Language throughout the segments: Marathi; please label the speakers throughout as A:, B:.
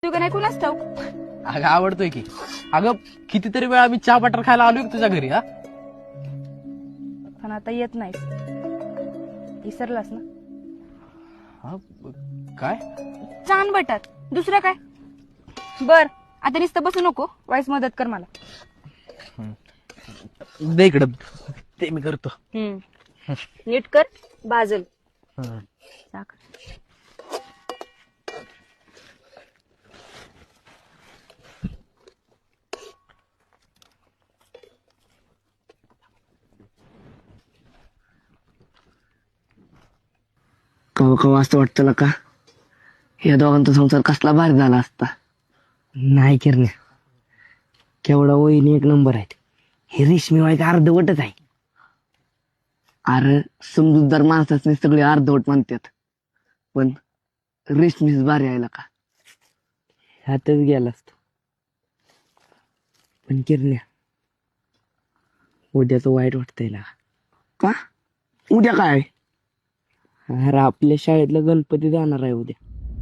A: तू का नाही कुणाच ठाऊक.
B: अगं आवडतोय की. अगं कितीतरी वेळा मी चहा बटर खायला आलोय तुझ्या घरी. हा
A: पण आता येत नाहीस. विसरलास ना.
B: हा, काय
A: छान बटर दुसरं काय. बर आता नुसतं बसू नको, वाईस मदत कर मला.
B: दे इकडं, ते मी करतो.
A: नीट कर बाजल. साखर.
C: कवा कवा असं वाटतं का या दोघांचा संसार कसला भारी झाला असता. नाही किरण्या, केवढा वहिनी एक नंबर आहेत. हे रेशमी वाईक अर्धवटच आहे. अरे समजूतदार माणसाचे सगळे अर्धवट म्हणतात, पण रेशमीच भारी आहे का. ह्यातच गेला असतो. पण किरण्या, उद्याच वाईट वाटतंय ना. का उद्या काय. अरे आपल्या शाळेतला गणपती जाणार आहे उद्या.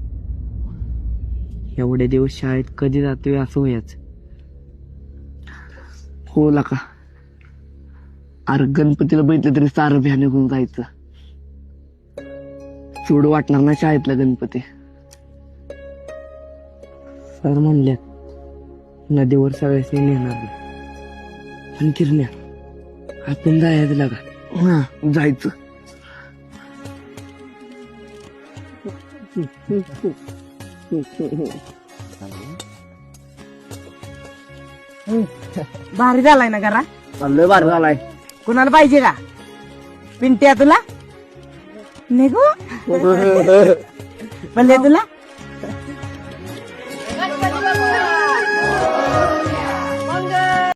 C: एवढे दिवस शाळेत कधी जातोय असं व्हायचं. हो का. अरे गणपतीला बघितलं तरी सारं भ्या निघून जायचं. सोड वाटणार ना शाळेतला गणपती. सर म्हणल्यात नदीवर सगळ्याशी नेणार नाही. पण किरण्या, आपण जायचं लागा. हा जायचं.
D: भारी झालाय ना घरा.
C: चाललोय बार झालाय.
D: कुणाला पाहिजे का पिंट्या तुला निघू म्हणजे तुला